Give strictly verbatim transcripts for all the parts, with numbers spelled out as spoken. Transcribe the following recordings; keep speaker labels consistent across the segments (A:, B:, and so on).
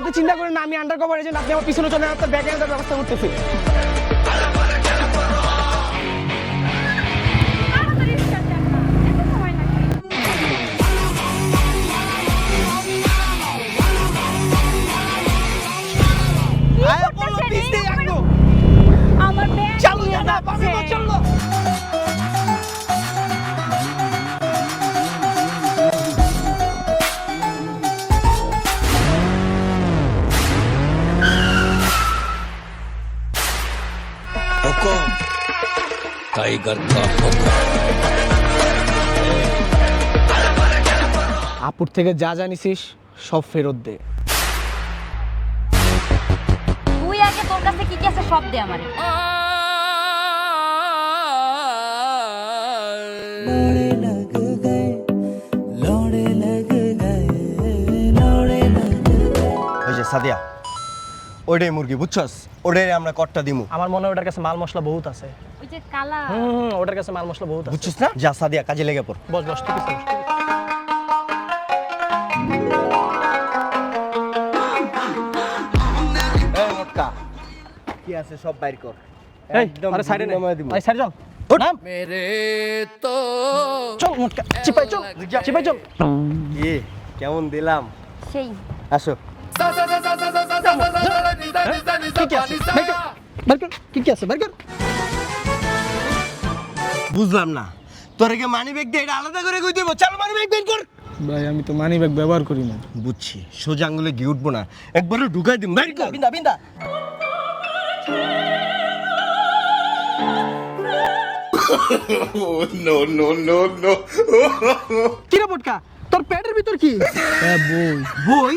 A: আপনি চিন্তা করেন না, আমি আন্ডারকভার এজেন্ট, আপনি আমার পিছনে চলে আপনার ব্যাগ এনে ব্যবস্থা করতেছি।
B: আমার ব্যাগ
A: চালু না পাবে না, চলো।
C: हुकुम टाइगर का हुकुम।
A: আপুর থেকে যা জানিসিস সব ফেরত দে।
B: তুই আগে তোর কাছে কি কি আছে সব দে আমারে।
D: ওই যে সাদিয়া, ওইটাই মুরগি বুঝছস, ওটাই আমরা কট্টা দিমু।
A: আমার মনে হয় ওটার কাছে মাল মশলা বহুত আছে।
B: ওই যে কালা
A: হুম হুম, ওটার কাছে মাল মশলা বহুত আছে।
D: বুঝছিস না? যা সাদিয়া, কাজে লেগে পড়।
A: বস বস, ঠিক আছে।
D: এই মোটকা, কি আছে সব বাইর কর।
A: এই
D: একদম
A: আরে সাইডে নে,
D: নামায় দিমু।
A: ভাই সাইডে চল। নাম
C: मेरे तो
A: চল মোটকা, চিপাই চল, চিপাই চল।
D: কি কেমন দিলাম?
B: সেই
D: আসো।
A: কি কি আছে বের কর, বের কর, কি কি আছে বের কর।
D: বুঝলাম না, তোরে কি মানি ব্যাগ দিয়ে এটা আলাদা করে কই দেব? চল মানি ব্যাগ বের কর।
A: ভাই আমি তো মানি ব্যাগ ব্যবহার করি না।
D: বুঝছি, সোজা আঙ্গুলে গিয়ে উঠবো না, একবারে ঢুকাই দিম। বের কর।
A: বিন্দা বিন্দা।
C: नो नो नो नो
A: কি রে মোটকা, তোর পেটের ভিতর কি? হ্যাঁ বই। বই?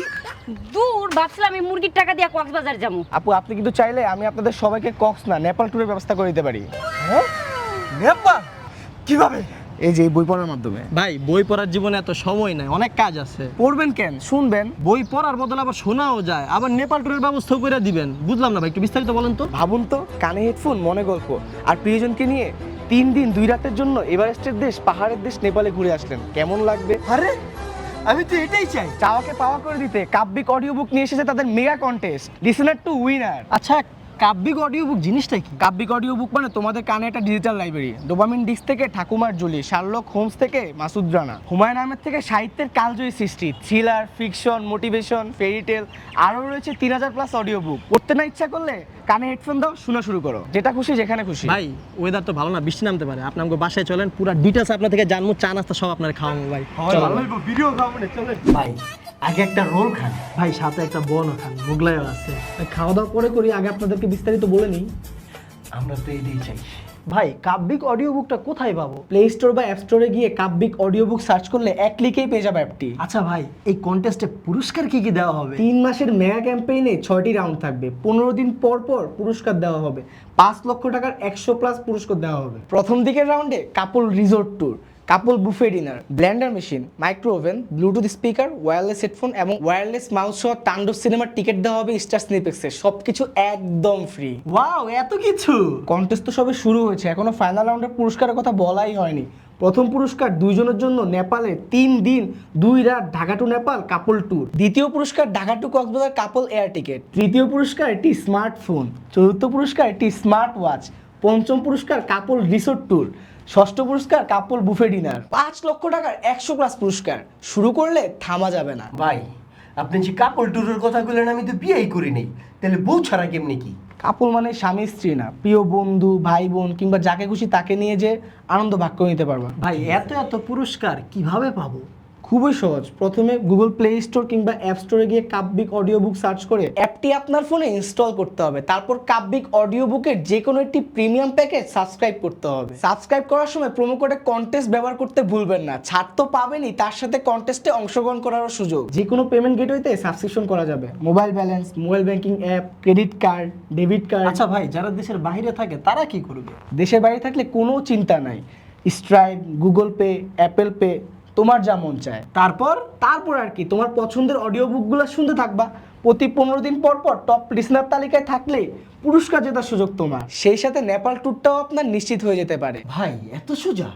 B: দূর ভাবছিলাম আমি মুরগির টাকা দিয়ে কক্সবাজার যাবো।
A: আপু আপনি কিন্তু চাইলে আমি আপনাদের সবাইকে কক্স না নেপাল ট্যুরের ব্যবস্থা করে দিতে পারি।
D: হ্যাঁ? নেপাল? কিভাবে?
A: এই যে এই বই পড়ার মাধ্যমে।
E: ভাই বই পড়ার জীবনে এত সময় নাই, অনেক কাজ আছে।
A: পড়বেন কেন, শুনবেন।
E: বই পড়ার বদলে আবার শোনাও যায়, আবার নেপাল ট্যুরের ব্যবস্থাও করে দিবেন। বুঝলাম না ভাই, একটু বিস্তারিত বলেন তো।
A: ভাবুন তো, কানে হেডফোন, মনে গল্প, আর প্রিয়জনকে নিয়ে তিন দিন দুই রাতের জন্য এভারেস্টের দেশ, পাহাড়ের দেশ নেপালে ঘুরে আসলেন, কেমন লাগবে?
D: আরে আমি তো এটাই চাই।
A: চাওয়াকে পাওয়া করে দিতে কাব্যিক অডিও বুক নিয়ে এসেছে তাদের mega contest, listener to winner.
E: আচ্ছা, কাব্যিক অডিও বুক জিনিসটা কি?
A: কাব্যিক অডিও বুক মানে তোমাদের কানে একটা ডিজিটাল লাইব্রেরি। ডোপামিন ডিস্ক থেকে ঠাকুমার জলি, শার্লক হোমস থেকে মাসুদ রানা, হুমায়ুন আহমেদ থেকে সাহিত্যের কালজয়ী সৃষ্টি, থ্রিলার, ফিকশন, মোটিভেশন, ফেরিটেল, আরও রয়েছে তিন হাজার প্লাস অডিও বুক। পড়তে না ইচ্ছা করলে কানে হেডফোন দাও, শোনা শুরু করো, যেটা খুশি যেখানে খুশি।
E: ভাই ওয়েদার তো ভালো না, বৃষ্টি নামতে পারে। আপনি আমাকে বাসায় চলেন, পুরো ডিটেলস আপনার থেকে জানবো, চা নাস্তা সব আপনার খাওয়াবো ভাই। চলো ভাই।
D: ভিডিও খাবো, চলেন ভাই। আগে একটা রোল খান।
E: ভাই সাথে একটা বন খান, মোগলাইও আছে। খাওয়া দাওয়া পরে করি, আগে আপনাদেরকে বিস্তারিত বলে নিই।
D: আমরা তো এটাই চাই।
E: ভাই কাব্যিক অডিও বুকটা কোথায় পাবো?
A: প্লে স্টোর বা অ্যাপ স্টোরে গিয়ে কাব্যিক অডিও বুক সার্চ করলে এক ক্লিকেই পেয়ে যাবে অ্যাপটি।
E: আচ্ছা ভাই, এই কন্টেস্টে পুরস্কার কি কি দেওয়া হবে?
A: তিন মাসের মেগা ক্যাম্পেইনে ছয়টি রাউন্ড থাকবে, পনেরো দিন পর পর পুরস্কার দেওয়া হবে, পাঁচ লক্ষ টাকার একশো প্লাস পুরস্কার দেওয়া হবে। প্রথম দিকের রাউন্ডে couple resort tour, couple buffet dinner, blender machine, micro oven, bluetooth speaker, wireless headphone এবং ওয়্যারলেস মাউস সহ তাণ্ডব সিনেমার টিকিট দেওয়া হবে স্টার স্নিপেক্সে, সবকিছু একদম ফ্রি।
E: ওয়াও, এত কিছু!
A: কন্টেস্ট তো সবে শুরু হয়েছে, এখনো ফাইনাল রাউন্ডের পুরস্কারের কথা বলাই হয়নি। প্রথম পুরস্কার দুইজনের জন্য নেপালে তিন দিন দুই রাত Dhaka to Nepal couple tour. দ্বিতীয় পুরস্কার Dhaka to Cox's Bazar couple air ticket. তৃতীয় পুরস্কার একটি স্মার্টফোন। চতুর্থ পুরস্কার একটি স্মার্ট ওয়াচ। পঞ্চম পুরস্কার কাপল রিসোর্ট ট্যুর। ষষ্ঠ পুরস্কার কাপল বুফে ডিনার। পাঁচ লক্ষ টাকার একশো প্লাস পুরস্কার। শুরু করলে থামা যাবে না।
D: ভাই আপনি যে কাপড় টুরের কথা বললেন, আমি তো বিয়েই করি নাই, তাহলে বউ ছাড়া কেমনি কি?
A: কাপল মানে স্বামী স্ত্রী না, প্রিয় বন্ধু, ভাই বোন কিংবা যাকে খুশি তাকে নিয়ে যে আনন্দ ভাগ করে নিতে পারবা।
E: ভাই এত এত পুরস্কার কিভাবে পাবো?
A: খুবই সহজ। প্রথমে গুগল প্লে স্টোর কিংবা অ্যাপ স্টোরে গিয়ে কাব্যিক অডিও বুক সার্চ করে অ্যাপটি আপনার ফোনে ইনস্টল করতে হবে। তারপর কাব্যিক অডিও বুকের যে কোনো একটি প্রিমিয়াম প্যাকেজ সাবস্ক্রাইব করতে হবে। সাবস্ক্রাইব করার সময় প্রোমো কোডে কন্টেস্ট ব্যবহার করতে ভুলবেন না। ছাড় তো পাবেনই, তার সাথে কন্টেস্টে অংশগ্রহণ করারও সুযোগ। যে কোনো পেমেন্ট গেটওয়েতে সাবস্ক্রিপশন করা যাবে, mobile balance, mobile banking app, credit card, debit card.
E: আচ্ছা ভাই, যারা দেশের বাইরে থাকে তারা কি করবে?
A: দেশের বাইরে থাকলে কোনো চিন্তা নাই, Stripe, Google Pay, Apple Pay, তোমার যা মন চায়।
E: তারপর
A: তারপর আর কি, তোমার পছন্দের অডিও বুকগুলো শুনতে থাকবা। প্রতি পনেরো দিন পর পর টপ লিসনার তালিকায় থাকলে পুরস্কার জেতার সুযোগ তোমার। সেই সাথে নেপাল ট্যুরটাও আপনার নিশ্চিত হয়ে যেতে পারে।
D: ভাই এত সোজা?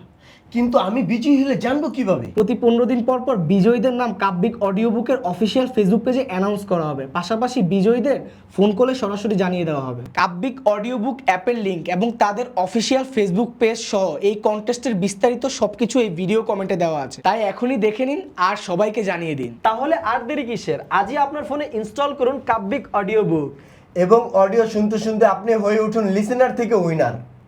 D: কিন্তু আমি বিজয়ী হলে জানবো কিভাবে?
A: প্রতি পনেরো দিন পর পর বিজয়ীদের নাম কাব্যিক অডিও বুকের অফিসিয়াল ফেসবুক পেজে অ্যানাউন্স করা হবে। পাশাপাশি বিজয়ীদের ফোন কলে সরাসরি জানিয়ে দেওয়া হবে। কাব্যিক অডিও বুক অ্যাপের লিঙ্ক এবং তাদের অফিসিয়াল ফেসবুক পেজ সহ এই কন্টেস্টের বিস্তারিত সবকিছু এই ভিডিও কমেন্টে দেওয়া আছে, তাই এখনই দেখে নিন আর সবাইকে জানিয়ে দিন।
E: তাহলে আর দেরি কিসের? আজই আপনার ফোনে ইনস্টল করুন কাব্যিক অডিও বুক।
D: এবং অডিও শুনতে শুনতে আপনি হয়ে উঠুন লিসেনার থেকে উইনার।